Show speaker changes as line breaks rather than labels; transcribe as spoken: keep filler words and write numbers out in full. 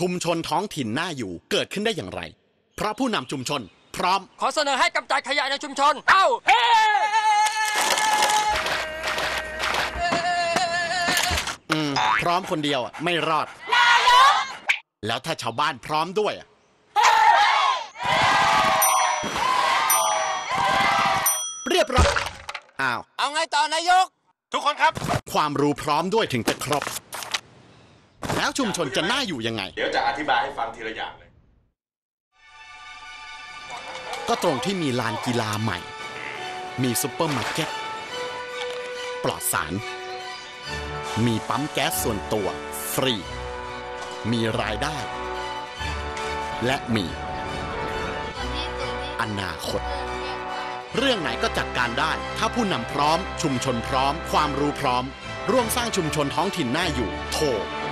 ชุมชนท้องถิ่นน่าอยู่เกิดขึ้นได้อย่างไรเพราะผู้นำชุมชนพร้อม
ขอเสนอให้กำจัดขยะในชุมชนเอ้าเฮ้
อืมพร้อมคนเดียวอ่ะไม่รอดแล้วถ้าชาวบ้านพร้อมด้วยอ่ะเรียบร้อยอ้าว
เอาไงต่อนายก
ทุกคนครับ
ความรู้พร้อมด้วยถึงจะครบแล้วชุมชนจะน่าอยู่ยังไง
เดี๋ยวจะอธิบายให้ฟังทีละอย่างเลย
ก็ตรงที่มีลานกีฬาใหม่มีซุปเปอร์มาร์เก็ตปลอดสารมีปั๊มแก๊สส่วนตัวฟรีมีรายได้และมีอนาคตเรื่องไหนก็จัดการได้ถ้าผู้นำพร้อมชุมชนพร้อมความรู้พร้อมร่วมสร้างชุมชนท้องถิ่นน่าอยู่โทร